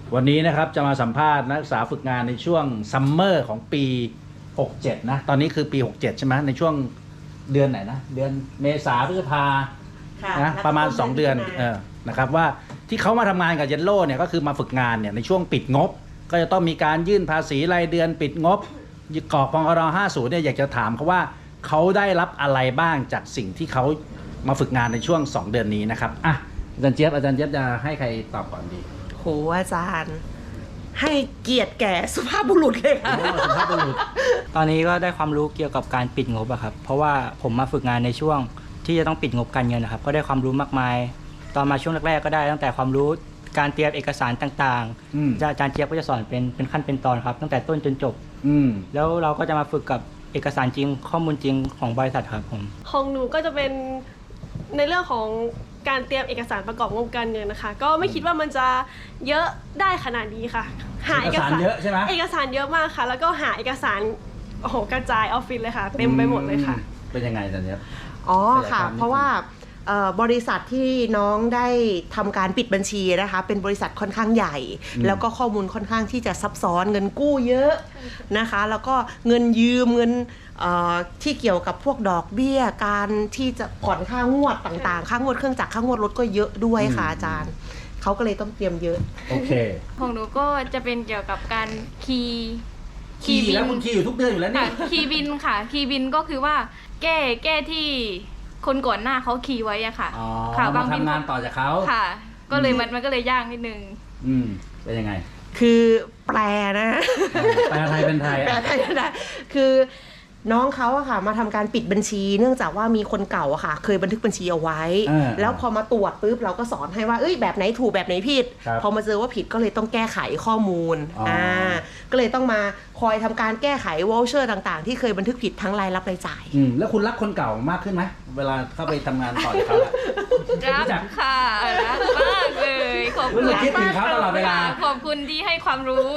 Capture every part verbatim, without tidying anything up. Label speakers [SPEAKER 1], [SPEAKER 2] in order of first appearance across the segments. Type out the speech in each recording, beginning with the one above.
[SPEAKER 1] วันนี้นะครับจะมาสัมภาษณ์นักศึกษาฝึกงานในช่วงซัมเมอร์ของปีหกเจ็ดนะตอนนี้คือปีหกเจ็ดใช่ไหมในช่วงเดือนไหนนะเดือนเมษาพฤษภานะประมาณสองเดือนเออนะครับว่าที่เขามาทำงานกับเยลโล่เนี่ยก็คือมาฝึกงานเนี่ยในช่วงปิดงบก็จะต้องมีการยื่นภาษีรายเดือนปิดงบกรอกพงรห้าสิบเนี่ยอยากจะถามเขาว่าเขาได้รับอะไรบ้างจากสิ่งที่เขามาฝึกงานในช่วงสองเดือนนี้นะครับอ่ะอาจารย์เจี๊ยบอาจารย์เจี๊ยบจะให้ใครตอบก่อนดี
[SPEAKER 2] โหอาจารย์ให้เกียรติแก่สุภาพบุรุษเลยค่ะ
[SPEAKER 1] สุภาพบุรุษ
[SPEAKER 3] ตอนนี้ก็ได้ความรู้เกี่ยวกับการปิดงบอะครับเพราะว่าผมมาฝึกงานในช่วงที่จะต้องปิดงบการเงินนะครับก็ได้ความรู้มากมายตอนมาช่วงแรกๆก็ได้ตั้งแต่ความรู้การเตรียมเอกสารต่างๆอาจารย์เจี๊ยบก็จะสอนเป็นเป็นขั้นเป็นตอนครับตั้งแต่ต้นจนจบแล้วเราก็จะมาฝึกกับเอกสารจริงข้อมูลจริงของบริษัทครับผม
[SPEAKER 4] ของหนูก็จะเป็นในเรื่องของการเตรียมเอกสารประกอบงบการเงินนะคะก็ไม่คิดว่ามันจะเยอะได้ขนาดนี้ค่ะ
[SPEAKER 1] หาเอกสารเยอะใช่ไหม
[SPEAKER 4] เอกสารเยอะมากค่ะแล้วก็หาเอกสารโอ้โหกระจายออฟฟิศเลยค่ะเต็มไปหมดเลยค่ะ
[SPEAKER 1] เป็นยังไงอาจารย์เจี๊ยบ
[SPEAKER 2] อ๋อค่ะเพราะว่าบริษัทที่น้องได้ทำการปิดบัญชีนะคะเป็นบริษัทค่อนข้างใหญ่แล้วก็ข้อมูลค่อนข้างที่จะซับซ้อนเงินกู้เยอะนะคะแล้วก็เงินยืมเงินที่เกี่ยวกับพวกดอกเบี้ยการที่จะผ่อนค่างวดต่างๆค่างวดเครื่องจักรค่างวดรถก็เยอะด้วยค่ะอาจารย์เขาก็เลยต้องเตรียมเยอะ
[SPEAKER 1] โอเค
[SPEAKER 5] ของหนูก็จะเป็นเกี่ยวกับการคีย์
[SPEAKER 1] คีย์แล้วคุณคีย์อยู่ทุกเดือนอยู่แล้วนี่
[SPEAKER 5] คีย์บินค่ะคีย์บินก็คือว่าแก้แก้ที่คนก่อนหน้าเขาคีย์ไว้อะค่ะ
[SPEAKER 1] ค่ะบางทำงานต่อจากเขา
[SPEAKER 5] ค่ะก็เลยมันมันก็เลยยากนิดนึง
[SPEAKER 1] อืมเป็นยังไง
[SPEAKER 2] คือแปลนะ
[SPEAKER 1] แปลไทยเป็นไทย
[SPEAKER 2] แปลไทยเป็นไทยคือน้องเขาอะค่ะมาทำการปิดบัญชีเนื่องจากว่ามีคนเก่าอะค่ะเคยบันทึกบัญชีเอาไว้แล้วพอมาตรวจปุ๊บเราก็สอนให้ว่าเอ้ยแบบไหนถูกแบบไหนผิดพอมาเจอว่าผิดก็เลยต้องแก้ไขข้อมูลอ่าก็เลยต้องมาคอยทำการแก้ไขวอลเชอร์ต่างๆที่เคยบันทึกผิดทั้งรายรับรายจ่าย
[SPEAKER 1] อืมแล้วคุณรักคนเก่ามากขึ้นไหมเวลาเข้าไปทำงานต่อจากเขา
[SPEAKER 5] รักค่ะรักมากเลยขอบคุณ
[SPEAKER 1] คิดถึงเขาตลอดเวลา
[SPEAKER 5] ขอบคุณที่ให้ความรู้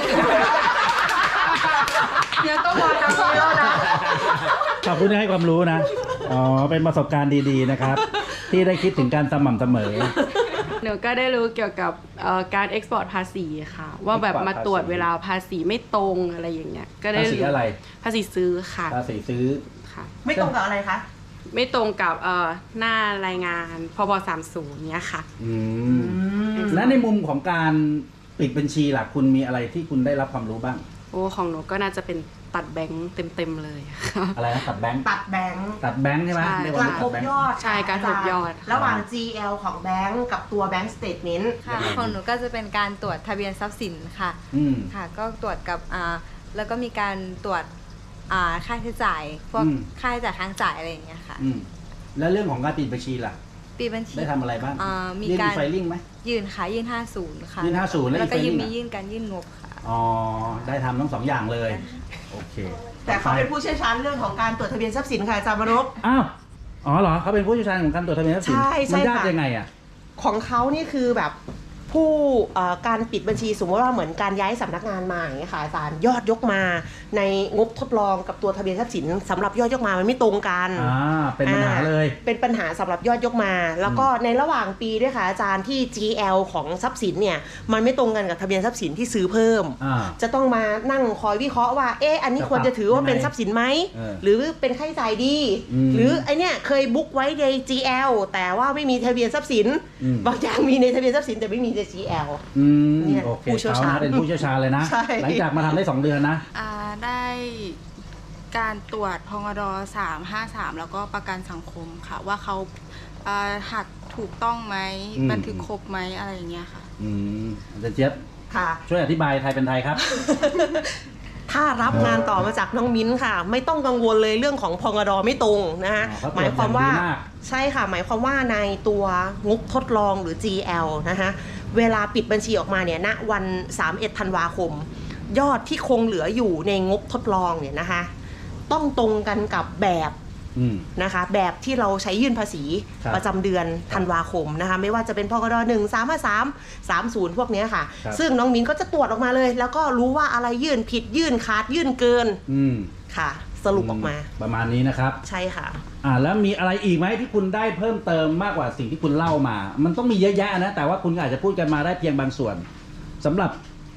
[SPEAKER 2] เดี๋ยวต้องมาทำนี้แล้วนะ
[SPEAKER 1] ขอบคุณที่ให้ความรู้นะอ๋อเป็นประสบการณ์ดีๆนะครับที่ได้คิดถึงการสม่ำเสมอ
[SPEAKER 6] หนูก็ได้รู้เกี่ยวกับการเอ็กซ์พอร์ตภาษีค่ะว่าแบบมาตรวจเวลาภาษีไม่ตรงอะไรอย่างเงี้ยก็ได้
[SPEAKER 1] ภาษีอะไร
[SPEAKER 6] ภาษีซื้อค่ะ
[SPEAKER 1] ภาษีซื้อ
[SPEAKER 2] ค่ะไม่ตรงกับอะไรคะ
[SPEAKER 6] ไม่ตรงกับหน้ารายงานพบสามสิบเนี้ยค่ะ
[SPEAKER 1] อืมและในมุมของการปิดบัญชีล่ะคุณมีอะไรที่คุณได้รับความรู้บ้าง
[SPEAKER 6] โอ้ของหนูก็น่าจะเป็นตัดแบงค์เต็มๆเลย
[SPEAKER 1] อะไรนะตัดแบงค์
[SPEAKER 2] ตัดแบงค์
[SPEAKER 1] ตัดแบงค์ใช่ไหม
[SPEAKER 2] การทบยอด
[SPEAKER 6] ใช่การทบยอด
[SPEAKER 2] ระหว่าง จี แอล ของแบงค์กับตัวแบงค์สเตทเมนต์
[SPEAKER 7] ค่ะของหนูก็จะเป็นการตรวจทะเบียนทรัพย์สินค่ะค่ะก็ตรวจกับอ่าแล้วก็มีการตรวจอ่าค่าใช้จ่ายพวกค่าใช้จ่ายค้างจ่ายอะไรอย่างเงี้ยค่ะ
[SPEAKER 1] แล้วเรื่องของการปิดบัญชีล่ะ
[SPEAKER 7] ปิดบัญชี
[SPEAKER 1] ได้ทำอะไรบ้าง
[SPEAKER 7] มีการ
[SPEAKER 1] ไฟลิ่งไหม
[SPEAKER 7] ยื่นค่ะยื่นห้าสิบค่ะ
[SPEAKER 1] ยื่นห้าสิบ
[SPEAKER 7] แล้วก็ยื่นมียื่นการยื่นงบค่ะ
[SPEAKER 1] อ๋อได้ทำทั้งสองอย่างเลยโอเค
[SPEAKER 2] แต่เขาเป็นผู้เชี่ยวชาญเรื่องของการตรวจทะเบียนทรัพย์สินค่ะอาจารย์มนพ
[SPEAKER 1] อ้าวอ๋อเหรอเขาเป็นผู้เชี่ยวชาญของการตรวจทะเบียนทรัพย์สิน
[SPEAKER 2] ใช่ใช่
[SPEAKER 1] มันยากยังไงอ่ะ
[SPEAKER 2] ของเขานี่คือแบบผู้การปิดบัญชีสมมติว่าเหมือนการย้ายสำนักงานมาอย่างเงี้ยค่ะอาจารย์ยอดยกมาในงบทดลองกับตัวทะเบียนทรัพย์สินสำหรับยอดยกมามันไม่ตรงกัน
[SPEAKER 1] อ่าเป็นปัญหาเลย
[SPEAKER 2] เป็นปัญหาสำหรับยอดยกมาแล้วก็ในระหว่างปีด้วยค่ะอาจารย์ที่ จี แอล ของทรัพย์สินเนี่ยมันไม่ตรงกันกับทะเบียนทรัพย์สินที่ซื้อเพิ่มจะต้องมานั่งคอยวิเคราะห์ว่าเอ๊ะอันนี้ควรจะถือว่าเป็นทรัพย์สินไหมหรือเป็นค่าใช้จ่ายดีหรือไอเนี้ยเคยบุ๊กไว้ใน จี แอล แต่ว่าไม่มีทะเบียนทรัพย์สินบางอย่างมีในทะเบียนทรัพย์สินแต่ไม่มีใน จี แอล
[SPEAKER 1] อืมโอเคผู้เชี่ยวชาญเป็นผู้เชี่ยวชาญเลยนะหลังจากมาทำได้สองเดือนนะ
[SPEAKER 6] อ่าได้การตรวจพงรสามห้าสามแล้วก็ประกันสังคมค่ะว่าเขาหักถูกต้องไหมบันทึกครบไหมอะไรอย่างเงี้ยค่ะ
[SPEAKER 1] อืมอาจารย์เจี๊ยบ
[SPEAKER 2] ค่ะ
[SPEAKER 1] ช่วยอธิบายไทยเป็นไทยครับ
[SPEAKER 2] ถ้ารับงานต่อมาจากน้องมิ้นค่ะไม่ต้องกังวลเลยเรื่องของพงรไม่ตรงนะฮะหมายความว่าใช่ค่ะหมายความว่าในตัวงบทดลองหรือ จี แอล นะคะเวลาปิดบัญชีออกมาเนี่ยณวันสามสิบเอ็ดธันวาคมยอดที่คงเหลืออยู่ในงบทดลองเนี่ยนะคะต้องตรงกันกับแบบนะคะแบบที่เราใช้ยื่นภาษีประจำเดือนธันวาคมนะคะไม่ว่าจะเป็นพกดหนึ่ง สาม ห้า สาม สาม ศูนย์พวกนี้ค่ะซึ่งน้องมิ้นก็จะตรวจออกมาเลยแล้วก็รู้ว่าอะไรยื่นผิดยื่นขาดยื่นเกินค่ะสรุปออกมา
[SPEAKER 1] ประมาณนี้นะครับ
[SPEAKER 2] ใช่ค่ะ
[SPEAKER 1] อ่าแล้วมีอะไรอีกไหมที่คุณได้เพิ่มเติมมากกว่าสิ่งที่คุณเล่ามามันต้องมีเยอะแยะนะแต่ว่าคุณอาจจะพูดกันมาได้เพียงบางส่วนสำหรับ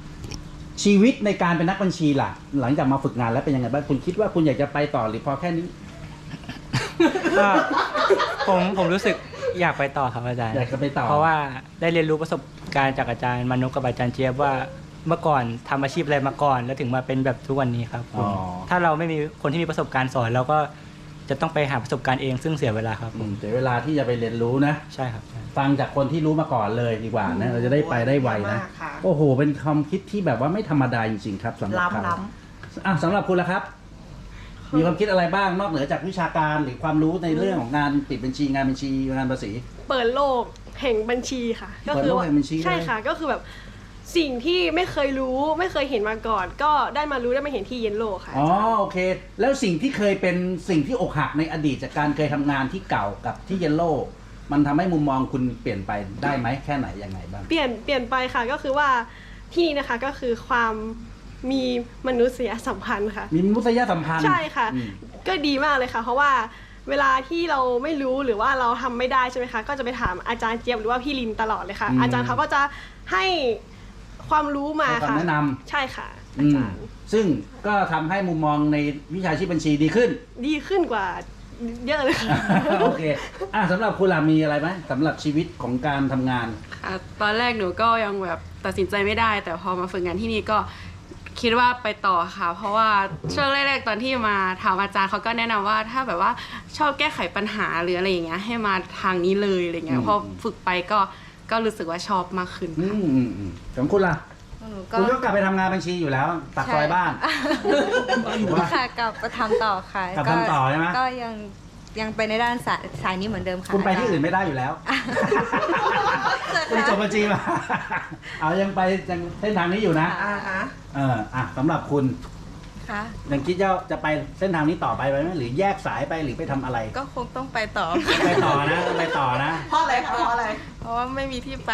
[SPEAKER 1] ชีวิตในการเป็นนักบัญชีล่ะ หลังจากมาฝึกงานแล้วเป็นยังไงบ้างคุณคิดว่าคุณอยากจะไปต่อหรือพอแค่นี้
[SPEAKER 3] ก็ผมผมรู้สึกอยากไปต่อครับอาจารย์
[SPEAKER 1] อยากจะไปต่อ
[SPEAKER 3] เพราะว่าได้เรียนรู้ประสบการณ์จากอาจารย์มนุกับอาจารย์เจี๊ยบว่าเมื่อก่อนทำอาชีพอะไรมาก่อน แล้วถึงมาเป็นแบบทุกวันนี้ครับผม
[SPEAKER 1] อ๋อ
[SPEAKER 3] ถ้าเราไม่มีคนที่มีประสบการณ์สอนเราก็จะต้องไปหาประสบการณ์เองซึ่งเสียเวลาครับผ
[SPEAKER 1] อื
[SPEAKER 3] ม
[SPEAKER 1] มเสียเวลาที่จะไปเรียนรู้นะ
[SPEAKER 3] ใช่ครับใช่
[SPEAKER 1] ฟังจากคนที่รู้มาก่อนเลยดีกว่านะเราจะได้ไปได้ไวนะ
[SPEAKER 2] มากค่ะ
[SPEAKER 1] โอ้โห เป็นความคิดที่แบบว่าไม่ธรรมดาจริงๆครับสำหรับเขา
[SPEAKER 2] ล้ำล้
[SPEAKER 1] อ่ะสำหรับคุณล่ะครับ มีความคิดอะไรบ้างนอกเหนือจากวิชาการหรือความรู้ในเรื่องของงานปิดบัญชีงานบัญชีงานภาษี
[SPEAKER 4] เปิดโลกแห่งบัญชีค่ะ ก็คื
[SPEAKER 1] เปิดโลกแห่งบัญชี
[SPEAKER 4] ใช่
[SPEAKER 1] เลย
[SPEAKER 4] ค่ะ ก็คือแบบสิ่งที่ไม่เคยรู้ไม่เคยเห็นมาก่อน ก็ได้มารู้ได้มาเห็นที่เยนโลค่ะ
[SPEAKER 1] อ๋อโอเค แล้วสิ่งที่เคยเป็นสิ่งที่อกหักในอดีตจากการเคยทำงานที่เก่ากับที่เยลโล่มันทำให้มุมมองคุณเปลี่ยนไปได้ไหมแค่ไหนยังไงบ้าง
[SPEAKER 4] เปลี่ยนเปลี่ยนไปค่ะก็คือว่าที่นี่นะคะก็คือความมีมนุษยสัมพันธ์ค่ะ
[SPEAKER 1] มีมนุษยสัมพันธ์
[SPEAKER 4] ใช่ค่ะ
[SPEAKER 1] อืม
[SPEAKER 4] ก็ดีมากเลยค่ะ เพราะว่าเวลาที่เราไม่รู้หรือว่าเราทำไม่ได้ใช่ไหมคะก็จะไปถามอาจารย์เจี๊ยบหรือว่าพี่ลินตลอดเลยค่ะ อาจารย์เขาก็จะให้ความรู้มา
[SPEAKER 1] ให้
[SPEAKER 4] ค่ะ
[SPEAKER 1] คำแนะนำ
[SPEAKER 4] ใช่ค่ะ อา
[SPEAKER 1] อืม
[SPEAKER 4] จารย์
[SPEAKER 1] ซึ่งก็ทำให้มุมมองในวิชาชีพบัญชีดีขึ้น
[SPEAKER 4] ดีขึ้นกว่าเยอะเลยค่ะ
[SPEAKER 1] โอเคอ่ะสำหรับคุณล่ะมีอะไรไหมสำหรับชีวิตของการทำงาน
[SPEAKER 8] อ่ะตอนแรกหนูก็ยังแบบตัดสินใจไม่ได้ แต่พอมาฝึกงานที่นี่ก็คิดว่าไปต่อค่ะ เพราะว่าช่วงแรกๆตอนที่มาถามอาจารย์เขาก็แนะนำว่าถ้าแบบว่าชอบแก้ไขปัญหาหรืออะไรอย่างเงี้ยให้มาทางนี้เลยอะไรเงี้
[SPEAKER 1] อื
[SPEAKER 8] ย
[SPEAKER 1] ม
[SPEAKER 8] พอฝึกไปก็ก็รู้สึกว่าชอบมากขึ้น
[SPEAKER 1] อื
[SPEAKER 8] ค่ะ
[SPEAKER 1] มอืมอืมของคุณล่ะ
[SPEAKER 7] หนูก็
[SPEAKER 1] คุณก็กลับไปทำงานบัญชีอยู่แล้วตักซอยบ้าน ถูกปะ
[SPEAKER 7] ค่ะกลับไปทำต่อค่ะ
[SPEAKER 1] กลับทำต่อใช่ไหม
[SPEAKER 7] ก็ยังยังไปในด้านสายสายนี้เหมือนเดิมค่ะ
[SPEAKER 1] คุณไปที่อื่นไม่ได้อยู่แล้ว คุณจบบัญชีมา เอายังไปยังเส้นทางนี้อยู่นะ
[SPEAKER 2] อ่าฮะ
[SPEAKER 1] เอออ่ะสำหรับคุณ
[SPEAKER 7] ค่ะ
[SPEAKER 1] ยังคิดจะจะไปเส้นทางนี้ต่อไปไหมหรือแยกสายไปหรือไปทำอะไร
[SPEAKER 8] ก็คงต้องไปต่อ
[SPEAKER 1] ไปต่อนะต้องไปต่อนะ
[SPEAKER 2] เพราะอะไรคะเพราะอะไร
[SPEAKER 8] เพราะว่าไม่มีที่ไป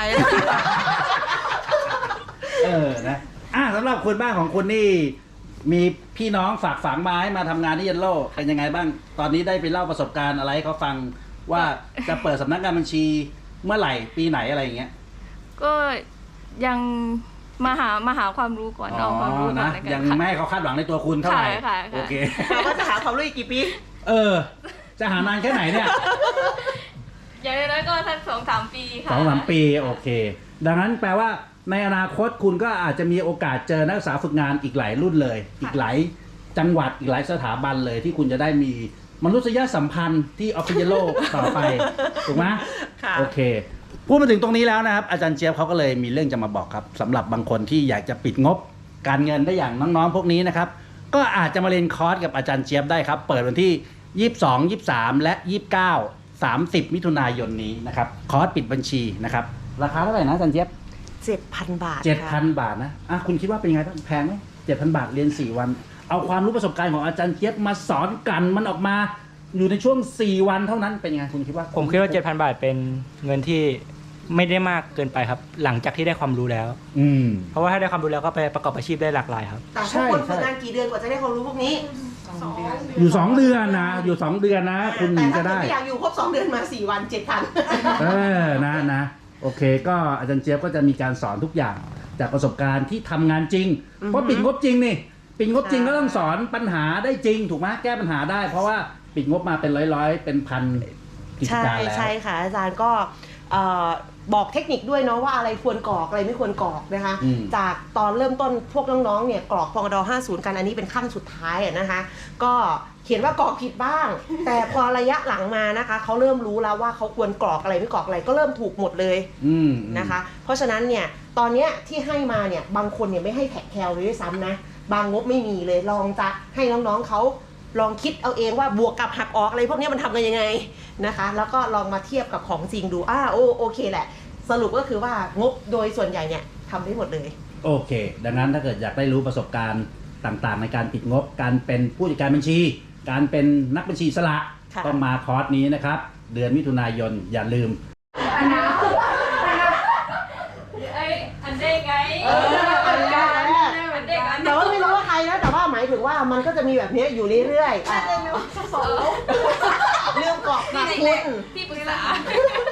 [SPEAKER 1] เออนะอ่ะสำหรับคุณบ้านของคุณนี่มีพี่น้องฝากฝังมาให้มาทำงานที่เยนโลเป็นยังไงบ้าง ตอนนี้ได้ไปเล่าประสบการณ์อะไรให้เขาฟังว่าจะเปิดสำนักงานบัญชีเมื่อไหร่ปีไหนอะไรอย่างเงี้ย
[SPEAKER 5] ก็ยังมาหามาหาความรู้ก่อนเอาความรู้ก่อน
[SPEAKER 1] นะ
[SPEAKER 5] แล้วกั
[SPEAKER 1] ยัง
[SPEAKER 5] นค่ะ
[SPEAKER 1] ไม่ให้เขาคาดหวังในตัวคุณเท่าไหร่
[SPEAKER 5] ค่ะค่ะค่ะ
[SPEAKER 1] โอเค
[SPEAKER 2] เราก็จะหาความรู้อีกกี่ปี
[SPEAKER 1] เออ จะหานานแค่ไหนเนี่ย
[SPEAKER 5] อย่างน้อยๆก็ทักสองสามปีค่ะ
[SPEAKER 1] สองสามปีโอเค ดังนั้นแปลว่าในอนาคตคุณก็อาจจะมีโอกาสเจอนักศึกษาฝึกงานอีกหลายรุ่นเลย อีกหลายจังหวัดอีกหลายสถาบันเลยที่คุณจะได้มีมนุษยสัมพันธ์ที่ออฟฟิเยโลต่อไป ถูกไหม
[SPEAKER 2] ค่ะ
[SPEAKER 1] โอเคพูดมาถึงตรงนี้แล้วนะครับ อาจารย์เจี๊ยบเขาก็เลยมีเรื่องจะมาบอกครับสำหรับบางคนที่อยากจะปิดงบการเงินได้อย่างน้องๆพวกนี้นะครับ ก็อาจจะมาเรียนคอร์สกับอาจารย์เจี๊ยบได้ครับ เปิดวันที่ยี่สิบสอง ยี่สิบสาม และ ยี่สิบเก้า สามสิบ มิถุนายนนี้นะครับคอร์สปิดบัญชีนะครับราคาเท่าไหร่นะอาจารย์เจี๊ยบ
[SPEAKER 2] เจ็ดพันบาท
[SPEAKER 1] เจ็ดพั
[SPEAKER 2] ค่ะ
[SPEAKER 1] นบาทนะอ่ะคุณคิดว่าเป็นยังไงบ้างแพงไหมเจ็ดพันบาทเรียนสี่วัน เอาความรู้ประสบการณ์ของอาจารย์เจี๊ยบมาสอนกันมันออกมาอยู่ในช่วงสี่วันเท่านั้นเป็นยังไงคุณคิดว่า
[SPEAKER 3] ผมคิดว่า เจ็ดพัน บาทเป็นเงินที่ไม่ได้มากเกินไปครับ หลังจากที่ได้ความรู้แล้ว
[SPEAKER 1] อืม
[SPEAKER 3] เพราะว่าถ้าได้ความรู้แล้วก็ไปประกอบอาชีพได้หลากหลายครับ
[SPEAKER 2] แต่
[SPEAKER 1] ใช่
[SPEAKER 2] พวกคน
[SPEAKER 1] ใช่
[SPEAKER 2] ฝึกงานกี่เดือนกว่าจะได้ความรู้พวกนี้
[SPEAKER 1] อยู่สองเดือนนะอยู่สองเดือนนะ คุณ
[SPEAKER 2] แต่
[SPEAKER 1] ถึง
[SPEAKER 2] ถ้า
[SPEAKER 1] จะ
[SPEAKER 2] เกิด
[SPEAKER 1] ได้
[SPEAKER 2] ไม่อยากอยู่ครบสองเดือนมาสี่วันเจ็ดพัน
[SPEAKER 1] เออนะนะโอเค ก็อาจารย์เจี๊ยบก็จะมีการสอนทุกอย่างจากประสบการณ์ที่ทำงานจริง เพราะปิดงบจริงนี่ปิดงบจริงก็ต้องสอนปัญหาได้จริงถูกไหมแก้ปัญหาได้ เพราะว่าปิดงบมาเป็นร้อยๆเป็นพันกิจ
[SPEAKER 2] ใช่
[SPEAKER 1] การแล้ว
[SPEAKER 2] ใช่ค่ะ อาจารย์ก็เอ่อบอกเทคนิคด้วยเนาะว่าอะไรควรกรอกอะไรไม่ควรกรอกนะคะ
[SPEAKER 1] อืม
[SPEAKER 2] จากตอนเริ่มต้นพวกน้องๆเนี่ยกรอกพงดห้าสิบกันอันนี้เป็นขั้นสุดท้ายอะนะคะ ก็เขียนว่ากรอกผิดบ้าง แต่พอระยะหลังมานะคะเขาเริ่มรู้แล้วว่าเขาควรกรอกอะไรไม่กรอกอะไรก็เริ่มถูกหมดเลย
[SPEAKER 1] อืม
[SPEAKER 2] นะคะ เพราะฉะนั้นเนี่ยตอนเนี้ยที่ให้มาเนี่ยบางคนเนี่ยไม่ให้แท็กแคลเลยด้วยซ้ำนะบางงบไม่มีเลยลองจะให้น้องๆเขาลองคิดเอาเองว่าบวกกับหักออกอะไรพวกเนี้ยมันทำกันยังไงนะคะ แล้วก็ลองมาเทียบกับของจริงดูอ้าโอโอเคแหละ สรุปก็คือว่างบโดยส่วนใหญ่เนี่ยทำได้หมดเลย
[SPEAKER 1] โอเค ดังนั้นถ้าเกิดอยากได้รู้ประสบการณ์ต่างๆ ในการปิดงบ การเป็นผู้จัดการบัญชี การเป็นนักบัญชีอิสระ
[SPEAKER 2] ค่ะ
[SPEAKER 1] ต้องมาคอร์สนี้นะครับ เดือนมิถุนายนอย่าลืม
[SPEAKER 5] ไอ้อันเด้งไง
[SPEAKER 2] เอออันเด้ง
[SPEAKER 5] อันเด้งอัน
[SPEAKER 2] แต่ว่าไม่รู้ว่าใครนะแต่ว่าหมายถึงว่ามันก็จะมีแบบเนี้ยอยู่เรื่อยๆอ่ะเรื่องกรอกนะคุณ
[SPEAKER 5] ที่ปรึกษา